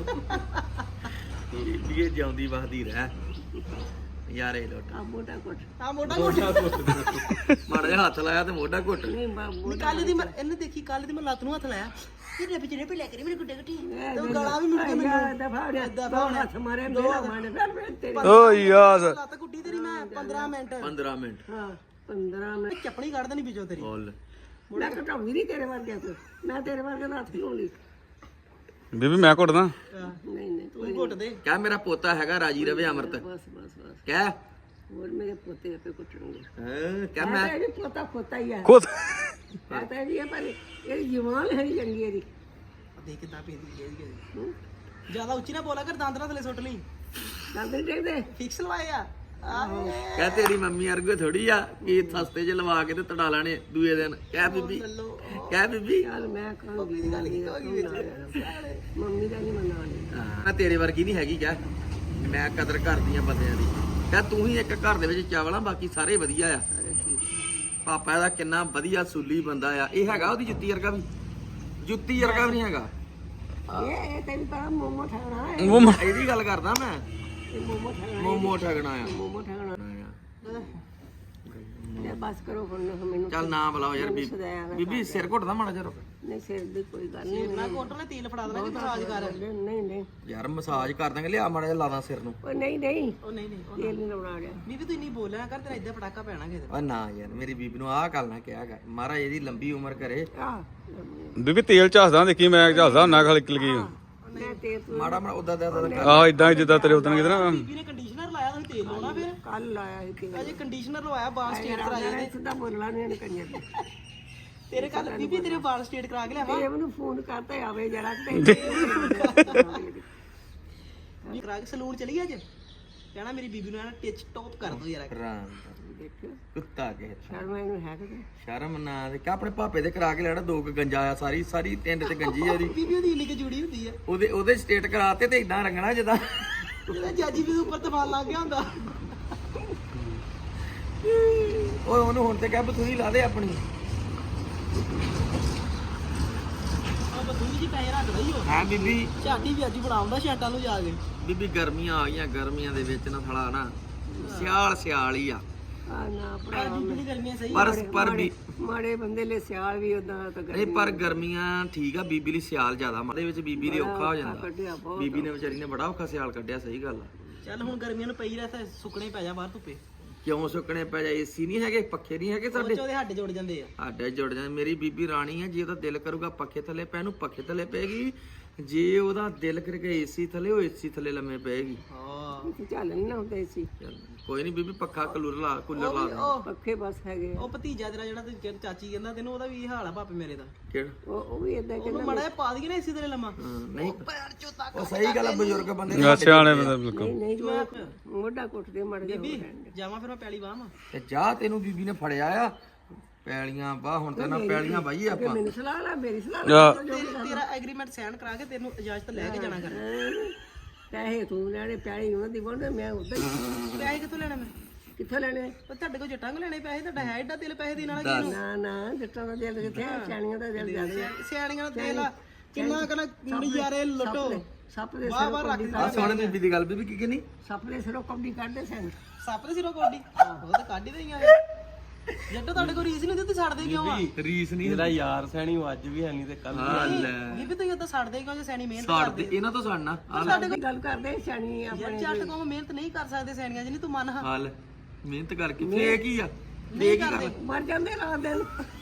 A: ਇਹ ਜਿਉਂਦੀ ਵਸਦੀ ਰਹਿ ਯਾਰੇ ਲੋਟ
D: ਆ ਮੋਟਾ ਕੋਟ
C: ਆ ਮੋਟਾ ਮੋਟਾ
A: ਮਾੜਾ ਜਿਹਾ ਹੱਥ ਲਾਇਆ ਤੇ ਮੋਢਾ ਘੁੱਟ
D: ਨਹੀਂ ਬਾਬੂ
C: ਕੱਲ ਦੀ ਮੈਂ ਇਹਨੇ ਦੇਖੀ ਕੱਲ ਦੀ ਮੈਂ ਲੱਤ ਨੂੰ ਹੱਥ ਲਾਇਆ ਤੇਰੇ ਪਿਛੜੇ ਪੇ ਲੈ ਕੇ ਮੇਰੇ ਗੁੱਡੇ ਗੁੱਟੀ ਤੇ ਗਾਲਾਂ ਵੀ ਮਿਲ ਕੇ ਮੈਨੂੰ
D: ਦਫਾ ਹੋ ਗਿਆ ਹੱਥ ਮਾਰੇ ਮੇਰਾ ਮਾਰੇ ਫਿਰ ਤੇਰੇ
B: ਓ ਯਾਰ
C: ਲੱਤ ਗੁੱਟੀ ਤੇਰੀ ਮੈਂ 15 ਮਿੰਟ
A: 15 ਮਿੰਟ
D: ਹਾਂ 15 ਮਿੰਟ
C: ਚੱਪਣੀ ਕੱਢ ਦੇਣੀ ਵਿੱਚੋਂ ਤੇਰੀ
A: ਬੋਲ
D: ਮੈਂ ਘਟਾਉਂਦੀ ਨਹੀਂ ਤੇਰੇ ਵਰਗੇ ਤੋਂ ਮੈਂ ਤੇਰੇ ਵਰਗੇ ਦਾ ਹੱਥ ਲਾਉਂਦੀ
B: ਬੀਬੀ ਮੈਂ ਘੁੱਟਦਾ
D: ਨਹੀਂ ਨਹੀਂ
C: ਤੂੰ ਘੁੱਟ ਦੇ
A: ਕਹਿ ਮੇਰਾ ਪੋਤਾ ਹੈਗਾ ਰਾਜੀ ਰਵੇ ਅਮਰਤ
D: ਬਸ ਬਸ ਬਸ
A: ਕਹਿ
D: ਹੋਰ ਮੇਰੇ ਪੋਤੇ ਆਪੇ ਕੁੱਟਣਗੇ
A: ਕਹਿ ਮੈਂ
D: ਇਹ ਪੋਤਾ ਪੋਤਾ ਹੀ ਆ
B: ਖੁਦ
D: ਪਤਾ ਵੀ ਹੈ ਪਰ ਇਹ ਜਵਾਨ ਹੈ ਨਹੀਂ ਚੰਗੀ ਇਹਦੀ
C: ਦੇਖ ਕਿਦਾਂ ਪੇਦੀ ਹੈ ਜਿਆਦਾ ਉੱਚੀ ਨਾ ਬੋਲਾ ਕਰ ਦੰਦ ਨਾਲ ਥਲੇ ਸੁੱਟ ਲਈ
D: ਕਹਿੰਦੇ ਦੇਖਦੇ
C: ਫਿਕਸ ਲਵਾਏ ਆ
A: ਕਹਿ ਤੇਰੀ ਮੰਮੀ ਅਰਗੋ ਥੋੜੀ ਆ ਕਿ ਸਸਤੇ ਚ ਲਵਾ ਕੇ ਤੇ ਤੜਾ ਲੈਣੇ ਦੂਏ ਦਿਨ ਕਹਿ ਬੀਬੀ ਕਹਿ ਬੀਬੀ
D: ਚੱਲ ਮੈਂ ਕਹਾਂਗੀ ਗੱਲ ਕੀ ਮੰਮੀ ਦਾ ਨਹੀਂ ਮੰਨਣਾ
A: ਮੈਂ ਤੇਰੇ ਵਰਗੀ ਨਹੀਂ ਹੈਗੀ ਕਹਿ ਮੈਂ ਕਦਰ ਕਰਦੀ ਆ ਬੰਦਿਆਂ ਦੀ ਕਹਿ ਤੂੰ ਹੀ ਇੱਕ ਘਰ ਦੇ ਵਿੱਚ ਚਾਵਲਾਂ ਬਾਕੀ ਸਾਰੇ ਵਧੀਆ ਆ ਪਾਪਾ ਇਹਦਾ ਕਿੰਨਾ ਵਧੀਆ ਸੂਲੀ ਬੰਦਾ ਆ ਇਹ ਹੈਗਾ ਉਹਦੀ ਜੁੱਤੀ ਵਰਗਾ ਵੀ ਜੁੱਤੀ ਵਰਗਾ ਵੀ ਨਹੀਂ ਹੈਗਾ
D: ਇਹ ਤੈਨੂੰ ਪਤਾ ਮੋਮੋ ਠਗਣਾ ਹੈ
A: ਇਹਦੀ ਗੱਲ ਕਰਦਾ ਮੈਂ
D: ਇਹ ਮੋਮੋ ਠਗਣਾ
A: ਮੋਮੋ ਠਗਣਾ ਆ
D: ਮੋਮੋ ਠਗਣਾ ਇਹ ਬਸ ਕਰੋ ਹੁਣ ਮੈਨੂੰ
A: ਚੱਲ ਨਾ ਬੁਲਾਓ ਯਾਰ ਬੀਬੀ ਸਿਰ ਘੁੱਟਦਾ ਮਾੜਾ ਜਿਹਾ ਰੁਕ
D: ਨਹੀਂ ਸਿਰ ਦੀ ਕੋਈ ਗੱਲ ਨਹੀਂ
C: ਨਾ ਕੋਟ ਨੇ ਤੇਲ ਫੜਾ ਦੇਣਾ ਕਿ ਮਸਾਜ ਕਰ
D: ਨਹੀਂ ਨਹੀਂ
A: ਯਾਰ ਮਸਾਜ ਕਰ ਦਾਂਗੇ ਲਿਆ ਮਾੜਾ ਜਿਹਾ ਲਾਦਾ ਸਿਰ ਨੂੰ
D: ਉਹ ਨਹੀਂ ਨਹੀਂ
C: ਉਹ ਨਹੀਂ ਨਹੀਂ
D: ਤੇਲ ਨਹੀਂ ਲਾਉਣਾ ਗਿਆ
C: ਬੀਬੀ ਤੂੰ ਨਹੀਂ ਬੋਲਿਆ ਕਰ ਤੇਰਾ ਇੱਦਾਂ ਪਟਾਕਾ ਪੈਣਾ ਕਿਤੇ
A: ਓ ਨਾ ਯਾਰ ਮੇਰੀ ਬੀਬੀ ਨੂੰ ਆਹ ਗੱਲ ਨਾ ਕਿਹਾ ਕਰ ਮਹਾਰਾਜ ਇਹਦੀ ਲੰਬੀ ਉਮਰ ਕਰੇ
D: ਆ
B: ਬੀਬੀ ਤੇਲ ਝਾਸਦਾ ਦੇਖੀ ਮੈਂ ਝਾਸਦਾ ਨਾ ਖਲ ਲੱਗੀ
D: ਮੈਂ ਤੇਲ
A: ਮਾੜਾ ਮਾੜਾ ਉਦਾਂ ਦਾ
B: ਆਹ ਇਦਾਂ ਜਿੱਦਾਂ ਤੇਰੇ ਉਦੋਂ ਕਿਤੇ ਨਾ
C: ਬੀਬੀ ਨੇ ਕੰਡੀਸ਼ਨਰ ਲਾਇਆ ਤੁਸੀਂ ਤੇਲ ਲਾਉਣਾ ਫਿਰ
D: ਕੱਲ ਲਾਇਆ ਸੀ ਤੇਲ
C: ਅਜੇ ਕੰਡੀਸ਼ਨਰ ਲਵਾਇਆ ਬਾਲ ਸਟੇਟ ਕਰਾਇਆ
D: ਮੈਂ ਸਿੱਧਾ ਬੋਲਣਾ ਨਹੀਂ ਕੰਨਿਆ
C: ਤੇਰੇ ਕੱਲ ਬੀਬੀ ਤੇਰੇ ਵਾਲ ਸਟੇਟ ਕਰਾ ਕੇ ਲਿਆਵਾਂ
D: ਇਹ ਮੈਨੂੰ ਫੋਨ ਕਰਤਾ ਆਵੇ ਜਰਾ
C: ਕਰਾ ਕੇ ਸਲੂਨ ਚਲੀ ਅੱਜ ਕਹਿਣਾ ਮੇਰੀ ਬੀਬੀ ਨੂੰ ਟਿਚ ਟੌਪ ਕਰ ਦੋ ਯਾਰ
D: ਦੇਖਿਓ
A: ਕੁੱਤਾ ਕੇ
D: ਸ਼ਰਮ ਇਹਨੂੰ ਹੈ ਕਿ
A: ਸ਼ਰਮ ਨਾ ਦੇ ਕਿ ਆਪਣੇ ਭਾਪੇ ਦੇ ਕਰਾ ਕੇ ਲੈਣਾ ਦੋ ਕੁ ਗੰਜਾ ਆ ਸਾਰੀ ਟਿੰਡ ਤੇ ਗੰਜੀ ਆ ਉਹਦੀ
C: ਬੀਬੀ ਉਹਦੀ ਇੰਨੀ ਕਿ ਜੁੜੀ ਹੁੰਦੀ ਆ
A: ਉਹਦੇ ਸਟੇਟ ਕਰਾਤੇ ਤੇ ਇਦਾਂ ਰੰਗਣਾ ਜਿੱਦਾਂ
C: ਜਿਹੜਾ ਜਾਜੀ ਵੀ ਉੱਪਰ ਤਫਾਨ ਲੱਗ ਗਿਆ ਹੁੰਦਾ
A: ਓਏ ਉਹਨੂੰ ਹੁਣ ਤੇ ਕਹਿ ਬਥੂਈ ਲਾ ਦੇ ਆਪਣੀ
C: ਆ ਬਥੂਈ ਜੀ ਪੈਸੇ ਰੱਖ ਲਈ ਹੋ
A: ਹਾਂ ਬੀਬੀ
C: ਝਾਟੀ ਵੀ ਅੱਜ ਬਣਾਉਂਦਾ ਸ਼ੈਂਟਾਂ ਨੂੰ ਜਾ ਕੇ
A: ਬੀਬੀ ਗਰਮੀਆਂ ਆ ਗਈਆਂ ਗਰਮੀਆਂ ਦੇ ਵਿੱਚ ਨਾ ਥੜਾ ਨਾ ਸਿਆਲ ਹੀ ਆ
D: ਆ ਨਾ
C: ਪਰ ਬੀਬੀ ਦੀ ਗਰਮੀਆਂ ਸਹੀ
A: ਪਰ ਵੀ
D: ਮਾੜੇ ਬੰਦੇ ਲਈ ਸਿਆਲ ਵੀ ਉਦਾਂ ਤਾਂ
A: ਨਹੀਂ ਪਰ ਗਰਮੀਆਂ ਠੀਕ ਆ ਬੀਬੀ ਲਈ ਸਿਆਲ ਜ਼ਿਆਦਾ ਮਾੜੇ ਵਿੱਚ ਬੀਬੀ ਲਈ ਔਖਾ ਹੋ ਜਾਂਦਾ
D: ਕੱਢਿਆ ਬਹੁਤ
A: ਬੀਬੀ ਨੇ ਵਿਚਾਰੀ ਨੇ ਬੜਾ ਔਖਾ ਸਿਆਲ ਕੱਢਿਆ ਸਹੀ ਗੱਲ ਆ
C: ਚੱਲ ਹੁਣ ਗਰਮੀਆਂ ਨੂੰ ਪਈ ਰਹਿ ਤਾਂ ਸੁੱਕਣੇ ਪੈ ਜਾ ਬਾਹਰ ਧੁੱਪੇ
A: ਕਿਉਂ ਸੁੱਕਣੇ ਪੈ ਜਾ ਏਸੀ ਨਹੀਂ ਹੈਗੇ ਪੱਖੇ ਨਹੀਂ ਹੈਗੇ ਸਾਡੇ
C: ਉਹਦੇ ਹੱਡ ਜੁੜ ਜਾਂਦੇ ਆ
A: ਸਾਡੇ ਜੁੜ ਜਾਂਦੇ ਮੇਰੀ ਬੀਬੀ ਰਾਣੀ ਆ ਜੇ ਉਹਦਾ ਦਿਲ ਕਰੂਗਾ ਪੱਖੇ ਥੱਲੇ ਪੈ ਨੂੰ ਪੱਖੇ ਥੱਲੇ ਪੈਗੀ ਜੇ ਉਹਦਾ ਦਿਲ ਕਰਕੇ ਏਸੀ ਥੱਲੇ ਉਹ ਏਸੀ ਥੱਲੇ ਲੰਮੇ ਪਏਗੀ
C: ਹਾਂ
D: ਚੱਲ ਨਹੀਂ ਨਾ ਹੁੰਦੇ ਸੀ
A: ਚੱਲ, ਕੋਈ ਨਹੀਂ ਬੀਬੀ ਪੱਖਾ ਕੂਲਰ ਲਾ ਦੇ।
C: ਉਹ
D: ਪੱਖੇ ਬਸ ਹੈਗੇ ਆ।
C: ਉਹ ਭਤੀਜਾ ਤੇਰਾ ਜਿਹੜਾ ਤੇ ਚਾਚੀ ਕਹਿੰਦਾ ਤੈਨੂੰ ਉਹਦਾ ਵੀ ਇਹ ਹਾਲ ਆ ਭਾਪੇ ਮੇਰੇ ਦਾ
A: ਕਿਹੜਾ
D: ਉਹ ਵੀ ਇਦਾਂ
C: ਉਹਨੂੰ ਮੜਾ ਜਿਹਾ ਪਾ ਦਈਏ ਨਾ ਇਸੇ ਤਰ੍ਹਾਂ ਲੰਮਾ
A: ਹਾਂ, ਨਹੀਂ
C: ਪੈਰ ਚੋਂ ਤੱਕ
A: ਉਹ ਸਹੀ ਗੱਲ ਆ ਬਜ਼ੁਰਗ ਬੰਦੇ ਦੇ
B: ਸਿਆਣੇ ਬੰਦੇ ਬਿਲਕੁਲ
D: ਨਹੀਂ ਜੋ ਮੋਢਾ ਕੁੱਟਦੇ ਮੜ ਜਾ
C: ਬੀਬੀ ਜਾਵਾਂ ਫਿਰ ਮੈਂ ਪੈਲੀ ਬਾਹਾਂ
A: ਤੇ ਜਾ ਤੈਨੂੰ ਬੀਬੀ ਨੇ ਫੜਿਆ ਆ ਪੈਲੀਆਂ ਬਾ ਹੁਣ ਤੇ ਨਾ ਪੈਲੀਆਂ ਬਾਈ ਆਪਾਂ
D: ਮੈਨੂੰ ਸਲਾਹ ਲਾ ਮੇਰੀ ਸਲਾਹ ਲਾ
C: ਤੇਰਾ ਐਗਰੀਮੈਂਟ ਸਾਈਨ ਕਰਾ ਕੇ ਤੈਨੂੰ ਇਜਾਜ਼ਤ ਲੈ ਕੇ ਜਾਣਾ ਕਰ
D: ਪੈਸੇ ਤੂੰ ਲੈਣੇ ਪੈਲੀ ਉਹਨਾਂ ਦੀ ਬੋਲ ਮੈਂ ਉਧਰ
C: ਪੈਸੇ ਕਿੱਥੋਂ ਲੈਣੇ ਮੈਂ
D: ਕਿੱਥੋਂ ਲੈਣੇ
C: ਉਹ ਤੁਹਾਡੇ ਕੋਲ ਜੱਟਾਂ ਕੋ ਲੈਣੇ ਪੈਸੇ ਤੁਹਾਡਾ ਹੈ ਏਡਾ ਦਿਲ ਪੈਸੇ ਦੇਣ ਵਾਲਾ ਕੀ
D: ਨਾ ਨਾ ਜੱਟਾਂ ਦਾ ਦਿਲ ਕਿੱਥੇ ਸਿਆਣੀਆਂ ਦਾ ਦਿਲ ਜ਼ਿਆਦਾ
C: ਸਿਆਣੀਆਂ ਦਾ ਦਿਲ ਆ ਕਿੰਨਾ ਕਨਾ ਨਜ਼ਾਰੇ ਲੁੱਟੋ
D: ਸੱਪ ਦੇ
C: ਵਾਹ ਵਾਹ ਰੱਖ
A: ਆ ਸੋਹਣੇ ਬੀਬੀ ਦੀ ਗੱਲ ਬੀਬੀ ਕੀ ਕਹਿੰਦੀ
D: ਸੱਪ ਦੇ ਸਿਰੋਂ ਕੌਡੀ ਕੱਢਦੇ ਸਨ
C: ਸੱਪ ਦੇ ਸਿਰੋਂ ਕੋਡੀ ਉਹ ਤਾਂ ਕੱਢ ਹੀ ਦਈਆਂ ਜੱਟੋ ਤੁਹਾਡੇ ਕੋਲ ਰੀਸ ਨਹੀਂ ਦਿੱਤੀ ਛੱਡਦੇ ਕਿਉਂ ਆ
A: ਰੀਸ ਨਹੀਂ
E: ਤੇਰਾ ਯਾਰ ਸੈਣੀ ਉਹ ਅੱਜ ਵੀ ਹੈ ਨਹੀਂ ਤੇ ਕੱਲ
C: ਬੀਬੀ ਤੁਸੀਂ ਉਦਾਂ ਛੱਡਦੇ ਕਿਉਂ ਜੇ ਸੈਣੀ ਮਿਹਨਤ
A: ਸਾੜਦੇ ਇਹਨਾਂ ਤੋਂ ਸਾੜਨਾ
C: ਸਾਡੇ ਕੋਲ
D: ਗੱਲ ਕਰਦੇ ਸਿਆਣੀ ਆ
C: ਯਾਰ ਜੱਟ ਕੋਲ ਮਿਹਨਤ ਨਹੀਂ ਕਰ ਸਕਦੇ ਸੈਣੀਆਂ ਜਿੰਨੀ ਤੂੰ ਮੰਨ ਹਾਂ
A: ਹਾਲ ਮਿਹਨਤ ਕਰਕੇ ਫੇਕ ਹੀ ਆ ਫੇਕ ਹੀ ਕਰ
D: ਮਰ ਜਾਂਦੇ ਰਾਤ ਦਿਨ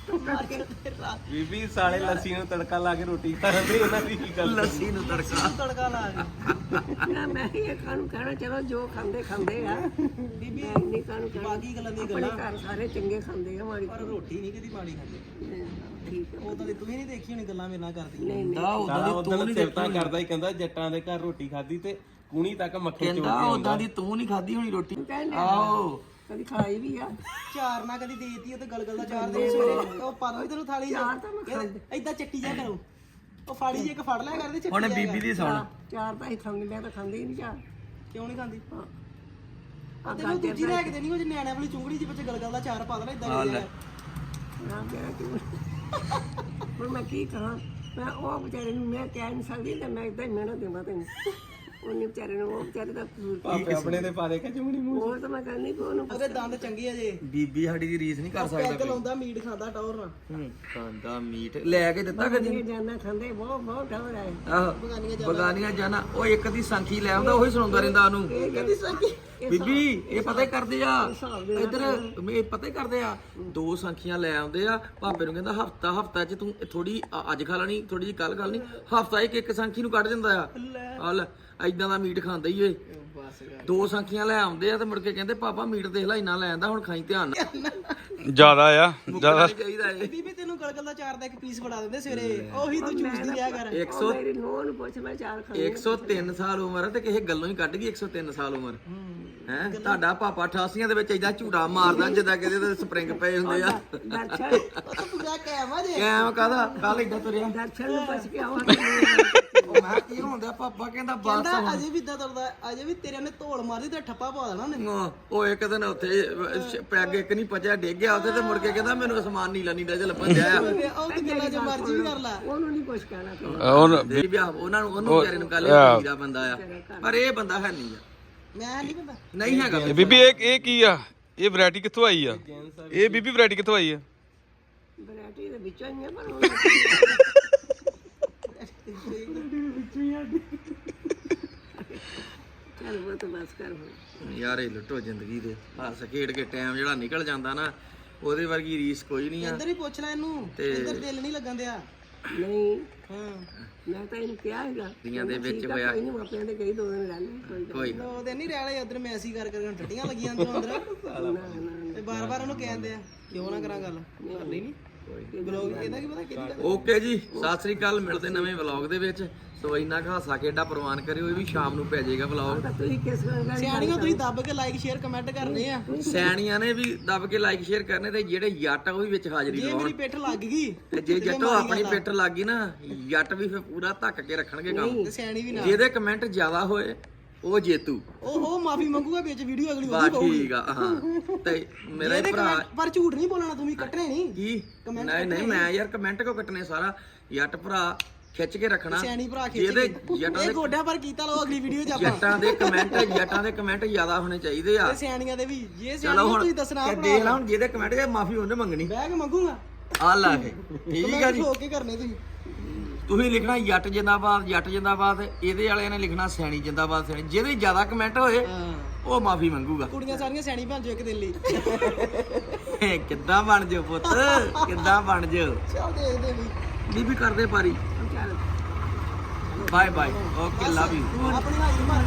E: ਬੀਬੀ ਸਾਲੇ ਲੱਸੀ ਨੂੰ ਤੜਕਾ ਲਾ ਕੇ ਰੋਟੀ ਖਾਂਦੇ ਉਹਨਾਂ ਦੀ ਕੀ ਗੱਲ
A: ਲੱਸੀ ਨੂੰ ਤੜਕਾ
C: ਤੜਕਾ ਲਾ ਕੇ
D: ਨਾ ਮੈਂ ਇਹ ਕਾਨੂੰ ਕਹਿਣਾ ਚਲੋ ਜੋ ਖਾਂਦੇ ਖਾਂਦੇ ਆ
C: ਬੀਬੀ
D: ਨਹੀਂ ਕਾਨੂੰ ਕਹਿਣਾ
C: ਬਾਕੀ ਗੱਲਾਂ ਦੀ
D: ਆਪਣੇ
C: ਗੱਲਾਂ
D: ਘਰ ਸਾਰੇ ਚੰਗੇ ਖਾਂਦੇ ਆ ਮਾੜੀ
C: ਪਰ ਰੋਟੀ ਨਹੀਂ ਕਦੀ ਮਾੜੀ ਖਾਂਦੇ
D: ਠੀਕ ਆ
C: ਉਹ ਤਾਂ ਤੂੰ ਹੀ ਨਹੀਂ ਦੇਖੀ ਹੋਣੀ ਗੱਲਾਂ ਮੇਰੇ ਨਾਲ ਕਰਦੀ
A: ਦਾ
E: ਸਾਲਾ ਉਦੋਂ ਸਿਫਤਾਂ ਕਰਦਾ ਹੀ ਕਹਿੰਦਾ ਜੱਟਾਂ ਦੇ ਘਰ ਰੋਟੀ ਖਾਧੀ ਤੇ ਕੂਣੀ ਤੱਕ ਮੱਖਣ ਚੋਂ
A: ਕਹਿੰਦਾ ਉਦਾਂ ਦੀ ਤੂੰ ਨਹੀਂ ਖਾਧੀ ਹੋਣੀ ਰੋਟੀ ਆਓ
D: ਕਦੀ ਖਾਈ ਵੀ ਆ
C: ਚਾਰ ਨਾ ਕਦੀ ਦੇਤੀ ਉਹ ਤੇ ਗਲਗਲ ਦਾ ਚਾਰ ਦੇ ਸਵੇਰੇ ਉਹ ਪਾ ਦੋ ਤੈਨੂੰ ਥਾਲੀ ਏਦਾਂ ਚੱਟੀ ਜਾ ਕਰੋ ਉਹ ਫਾੜੀ ਜੇ ਇੱਕ ਫੜ ਲਿਆ ਕਰਦੇ ਚੱਟੀ
A: ਹੁਣ ਬੀਬੀ ਦੀ ਸੁਣ
D: ਚਾਰ ਤਾਂ ਹੀ ਖਾਂਦੇ ਮੈਂ ਤਾਂ ਖਾਂਦੀ ਹੀ ਨਹੀਂ ਚਾਰ
C: ਕਿਉਂ ਨਹੀਂ ਖਾਂਦੀ
D: ਆ
C: ਤੈਨੂੰ ਦੂਜੀ ਲੈ ਕੇ ਦੇਣੀ ਉਹ ਜੇ ਨਿਆਣਿਆਂ ਵਾਲੀ ਚੁੰਗੜੀ ਜੀ ਵਿੱਚ ਗਲਗਲ ਦਾ ਚਾਰ ਪਾ ਦੇਣਾ ਇਦਾਂ ਦੇ
D: ਨਾ ਪਿਆ ਤੂੰ ਹੁਣ ਮੈਂ ਕੀ ਕਹਾਂ ਮੈਂ ਉਹ ਵਿਚਾਰੇ ਨੂੰ ਮੈਂ ਕਹਿ ਨਹੀਂ ਸਕਦੀ ਤੇ ਮੈਂ ਇਦਾਂ ਹੀ ਮਿਹਨਤ ਦੇਵਾਂ ਤੈਨੂੰ ਉਹਨੇ ਵਿਚਾਰੇ ਨੂੰ ਉਹ ਵਿਚਾਰੇ ਦਾ ਕਸੂਰ
E: ਭਾਪੇ ਆਪਣੇ ਦੇ ਪਾ ਦੇ ਕੇ ਚੁੰਗਣੀ ਮੂੰਹ
D: ਉਹ ਤਾਂ ਮੈਂ ਕਹਿੰਦੀ ਕਿ ਉਹਨੂੰ
C: ਉਹਦੇ ਦੰਦ ਚੰਗੇ ਆ ਜੇ
A: ਬੀਬੀ ਸਾਡੀ ਦੀ ਰੀਸ ਨਹੀਂ ਕਰ ਸਕਦਾ
C: ਪੈਗ ਲਾਉਂਦਾ ਮੀਟ ਖਾਂਦਾ ਟੌਰ ਨਾਲ
A: ਖਾਂਦਾ ਮੀਟ ਲੈ ਕੇ ਦਿੱਤਾ ਕਦੀ
D: ਇਹ ਜਾਨਾ ਖਾਂਦੇ ਬਹੁਤ ਬਹੁਤ ਠੌਰ ਆਏ
A: ਆਹੋ ਬਗਾਨੀਆਂ ਜਾਣਾ ਉਹ ਇੱਕ ਦੀ ਸਾਂਖੀ ਲੈ ਆਉਂਦਾ ਉਹੀ ਸੁਣਾਉਂਦਾ ਰਹਿੰਦਾ ਉਹਨੂੰ
D: ਕਹਿੰਦੀ ਸਾਡੀ
A: ਬੀਬੀ ਇਹ ਪਤਾ ਹੀ ਕਰਦੇ ਆ ਇੱਧਰ ਇਹ ਪਤਾ ਹੀ ਕਰਦੇ ਆ ਦੋ ਸਾਂਖੀਆਂ ਲੈ ਆਉਂਦੇ ਆ ਭਾਪੇ ਨੂੰ ਕਹਿੰਦਾ ਹਫਤਾ ਚ ਤੂੰ ਥੋੜੀ ਅੱਜ ਖਾ ਲੈਣੀ ਥੋੜੀ ਜੀ ਕੱਲ ਖਾ ਲੈਣੀ ਹਫਤਾ ਇੱਕ ਸਾਂਖੀ ਨੂੰ ਕੱਢ ਦਿੰਦਾ ਆ ਹਲ ਐਦਾਂ ਦਾ ਮੀਟ ਖਾਂਦਾ ਹੀ ਓਏ ਦੋ ਸਾਂਖੀਆਂ ਲੈ ਆਉਂਦੇ ਆ ਤੇ ਮੁੜ ਕੇ ਕਹਿੰਦੇ ਪਾਪਾ ਮੀਟ ਦੇਖ ਲੈ ਇੰਨਾ ਲੈ ਆਂਦਾ ਹੁਣ ਖਾਈ ਧਿਆਨ ਨਾਲ
B: ਜ਼ਿਆਦਾ ਆ ਜ਼ਿਆਦਾ
A: ਚਾਹੀਦਾ ਏ
C: ਬੀਬੀ ਤੈਨੂੰ ਗਲਗਲ ਦਾ ਚਾਰ ਦਾ ਇੱਕ ਪੀਸ ਫੜਾ ਦਿੰਦੇ ਸਵੇਰੇ ਉਹੀ ਤੂੰ ਚੂਸਦੀ ਰਿਹਾ ਕਰ
A: 100
D: ਮੇਰੀ ਨੂੰਹ ਨੂੰ ਪੁੱਛ ਮੈਂ ਚਾਰ ਖਾਂਦੀ
A: 103 ਸਾਲ ਉਮਰ ਆ ਤੇ ਕਿਸੇ ਗੱਲੋਂ ਹੀ ਕੱਢ ਗਈ 103 ਸਾਲ ਉਮਰ ਹੈ ਤੁਹਾਡਾ ਪਾਪਾ 88 ਦੇ ਵਿੱਚ ਏਦਾਂ ਝੂਟਾ ਮਾਰਦਾ ਜਿੱਦਾਂ ਕਿਤੇ ਤੇ ਸਪਰਿੰਗ ਪਏ ਹੁੰਦੇ ਆ
D: ਦਰਸ਼ਨ
C: ਉਹ ਤਾਂ ਪੂਰਾ ਕੈਮਾ ਜੇ
A: ਐਵੇਂ ਕਾਹਦਾ ਕੱਲ ਏਦਾਂ ਤੁਰਿਆ
D: ਦਰਸ਼ਨ ਨੂੰ ਪੁੱਛ ਕੇ ਆਵਾਂਗੇ
A: ਮੈਂ ਕੀ ਹੁੰਦਾ ਪਾਪਾ ਕਹਿੰਦਾ
C: ਕਹਿੰਦਾ ਅਜੇ ਵੀ ਇਦਾਂ ਤੁਰਦਾ, ਅਜੇ ਵੀ ਤੇਰੇ ਨੇ ਧੋਲ ਮਾਰੀ ਤੇ ਠੱਪਾ ਪਾ ਦੇਣਾ ਉਹਨੇ।
A: ਉਹ ਇੱਕ ਦਿਨ ਉੱਥੇ ਪੈਗ ਇੱਕ ਨਹੀਂ ਪਚਿਆ, ਡਿੱਗ ਗਿਆ ਉੱਥੇ ਤੇ ਮੁੜ ਕੇ ਕਹਿੰਦਾ ਮੈਨੂੰ ਅਸਮਾਨ ਨੀਲਾ ਨੀਲਾ ਜਿਹਾ ਲੱਭਣ ਡਿਆ ਆ।
C: ਉਹ ਤੇ ਗੱਲਾਂ ਜੋ ਮਰਜ਼ੀ ਵੀ ਕਰ ਲੈ।
D: ਉਹਨੂੰ ਨਹੀਂ ਕੁਛ ਕਹਿਣਾ ਤੂੰ।
A: ਤੇਰੀ ਵਿਆਹ ਉਹਨੂੰ ਵਿਚਾਰੇ ਨੂੰ ਕੱਲ ਦਾ ਬੰਦਾ ਆ, ਪਰ ਇਹ ਬੰਦਾ ਹੈ ਨਹੀਂ ਆ,
C: ਮੈਂ ਨਹੀਂ ਪਤਾ
A: ਨਹੀਂ ਹੈਗਾ।
B: ਬੀਬੀ ਇਹ ਕੀ ਆ? ਇਹ ਵੈਰਾਈਟੀ ਕਿੱਥੋਂ ਆਈ ਆ? ਇਹ ਬੀਬੀ ਵੈਰਾਈਟੀ ਕਿੱਥੋਂ ਆਈ ਆ?
D: ਵੈਰਾਈਟੀ ਦੇ ਵਿੱਚੋਂ ਹੀ ਆ ਪਰ ਉਹ ਚੱਲ ਉਹ ਤਾਂ ਬਸ ਕਰ ਹੁਣ।
A: ਯਾਰ ਇਹ ਲੁੱਟੋ ਜ਼ਿੰਦਗੀ ਦੇ, ਹੱਸ ਖੇਡ ਕੇ ਟਾਈਮ ਜਿਹੜਾ ਨਿਕਲ ਜਾਂਦਾ ਨਾ, ਉਹਦੇ ਵਰਗੀ ਰੀਸ ਕੋਈ ਨਹੀਂ ਆ।
C: ਇੱਧਰ ਹੀ ਪੁੱਛ ਲੈ ਇਹਨੂੰ, ਇੱਧਰ ਦਿਲ ਨਹੀਂ ਲੱਗਣ ਦਿਆ।
D: ਨਹੀਂ
C: ਹਾਂ
D: ਮੈਂ ਤਾਂ ਇਹਨੂੰ ਕਿਹਾ ਹੈਗਾ
A: ਦੀਆਂ ਦੇ ਵਿੱਚ ਹੋਇਆ
D: ਕੋਈ ਨਹੀਂ ਮਾਪਿਆਂ ਦੇ ਕਈ ਦੋ ਦਿਨ ਰਹਿ ਲੈ ਕੋਈ
A: ਕੋਈ
C: ਉਹ ਦਿਨ ਨਹੀਂ ਰਹਿ ਲਏ, ਉਧਰ ਮੈਸੀ ਕਰ ਕਰਕੇ ਹੁਣ ਟੱਟੀਆਂ ਲੱਗੀਆਂ ਅੰਦਰੋਂ ਅੰਦਰ ਤੇ ਬਾਰ-ਬਾਰ ਉਹਨੂੰ ਕਹਿੰਦੇ ਆ ਕਿਉਂ ਨਾ ਕਰਾਂ ਗੱਲ, ਕਰਨੀ ਨਹੀਂ ਬਲੌਗ ਇਹਦਾ ਕੀ ਪਤਾ ਕਿਹਦੀ ਗੱਲ।
A: ਓਕੇ ਜੀ, ਸਤਿ ਸ੍ਰੀ ਅਕਾਲ, ਮਿਲਦੇ ਨਵੇਂ ਵਲੌਗ ਦੇ ਵਿੱਚ। ਸੋ ਇੰਨਾ ਕੁ ਹਾਸਾ ਖੇਡਾ ਪ੍ਰਵਾਨ ਕਰਿਓ, ਇਹ ਵੀ ਸ਼ਾਮ ਨੂੰ ਪੈ ਜਾਏਗਾ ਵਲੌਗ।
D: ਤਾਂ ਤੁਸੀਂ ਕਿਸ ਗੱਲ
C: ਸਿਆਣੀਆਂ ਤੁਸੀਂ ਦੱਬ ਕੇ ਲਾਈਕ ਸ਼ੇਅਰ ਕਮੈਂਟ ਕਰਨੇ ਆ।
A: ਸੈਣੀਆਂ ਨੇ ਵੀ ਦੱਬ ਕੇ ਲਾਈਕ ਸ਼ੇਅਰ ਕਰਨੇ, ਤੇ ਜਿਹੜੇ ਜੱਟ ਆ ਉਹ ਵੀ ਵਿੱਚ ਹਾਜ਼ਰੀ
C: ਜੇ
A: ਲਾਉਣ।
C: ਮੇਰੀ ਪਿੱਠ ਲੱਗ ਗਈ
A: ਤੇ ਜੇ ਜੱਟੋ ਆਪਣੀ ਪਿੱਠ ਲੱਗ ਗਈ ਨਾ, ਜੱਟ ਵੀ ਫਿਰ ਪੂਰਾ ਧੱਕ ਕੇ ਰੱਖਣਗੇ ਕੰਮ।
C: ਤੇ ਸਿਆਣੀ ਵੀ ਨਾ,
A: ਜਿਹਦੇ ਕਮੈਂਟ ਜ਼ਿਆਦਾ ਹੋਏ ਉਹ ਜੇਤੂ।
C: ਉਹ ਮਾਫੀ ਮੰਗੂਗਾ ਵਿੱਚ ਵੀਡੀਓ ਅਗਲੀ
A: ਬਾ ਠੀਕ ਆ। ਹਾਂ ਤੇ ਮੇਰਾ ਹੀ ਭਰਾ
C: ਪਰ ਝੂਠ ਨਹੀਂ ਬੋਲਣਾ, ਤੁਸੀਂ ਕੱਟਣੇ ਨਹੀਂ।
A: ਕੀ ਨਹੀਂ ਨਹੀਂ, ਮੈਂ ਯਾਰ ਕਮੈਂਟ ਕੋ ਕੱਟਨੇ, ਸਾਰਾ ਜੱਟ ਭਰਾ ਖਿੱਚ ਕੇ ਰੱਖਣਾ।
C: ਸਿਆਣੀ ਭਰਾ ਖਿੱਚ
A: ਜਿਹਦੇ
C: ਕੇ
A: ਜੱਟਾਂ
C: ਇਹ
A: ਦੇ
C: ਗੋਡਿਆਂ ਪਰ ਕੀਤਾ ਲਓ ਅਗਲੀ ਵੀਡੀਓ 'ਚ ਆਪਾਂ।
A: ਜੱਟਾਂ ਦੇ ਕਮੈਂਟ ਜ਼ਿਆਦਾ ਹੋਣੇ ਚਾਹੀਦੇ ਆ।
C: ਤੇ ਸਿਆਣੀਆਂ ਦੇ ਵੀ, ਜੇ
A: ਚਲੋ
C: ਸਿਆਣੀਆਂ
A: ਹੁਣ
C: ਤੁਸੀਂ ਦੱਸਣਾ
A: ਇਹ ਦੇਖ ਲਾ, ਹੁਣ ਜਿਹਦੇ ਕਮੈਂਟ ਤੇ ਮਾਫੀ ਉਹਨੇ ਮੰਗਣੀ,
C: ਬਹਿ ਕੇ ਮੰਗੂਗਾ।
A: ਆ ਲਾ ਕੇ ਠੀਕ ਆ ਜੀ।
C: ਹੋ ਕੇ ਕਰਨੇ ਤੁਸੀਂ।
A: ਤੁਸੀਂ ਲਿਖਣਾ ਜੱਟ ਜਿੰਦਾਬਾਦ, ਜੱਟ ਜਿੰਦਾਬਾਦ। ਇਹਦੇ ਵਾਲਿਆਂ ਨੇ ਲਿਖਣਾ ਸਿਆਣੀ ਜਿੰਦਾਬਾਦ, ਸਿਆਣੀ। ਜਿਹਦੇ ਜ਼ਿਆਦਾ ਕਮੈਂਟ ਹੋਏ
C: ਹਾਂ,
A: ਉਹ ਮਾਫੀ ਮੰਗੂਗਾ।
C: ਕੁੜੀਆਂ ਸਾਰੀਆਂ ਸਿਆਣੀ ਬਣ ਜਾਓ ਇੱਕ ਦਿਨ ਲਈ।
A: ਕਿੱਦਾਂ ਬਣ ਜਾਓ ਪੁੱਤ, ਕਿੱਦਾਂ ਬਣ ਜਾਓ।
C: ਚੱਲ ਦੇਖਦੇ ਵੀ
A: ਬੀਬੀ ਕਰਦੇ ਪਾਰੀ।
D: ਚੱਲ
A: bye bye, okay, love you.
C: ਆਪਣੀ ਹਾਜ਼ਰੀ ਮਾਰ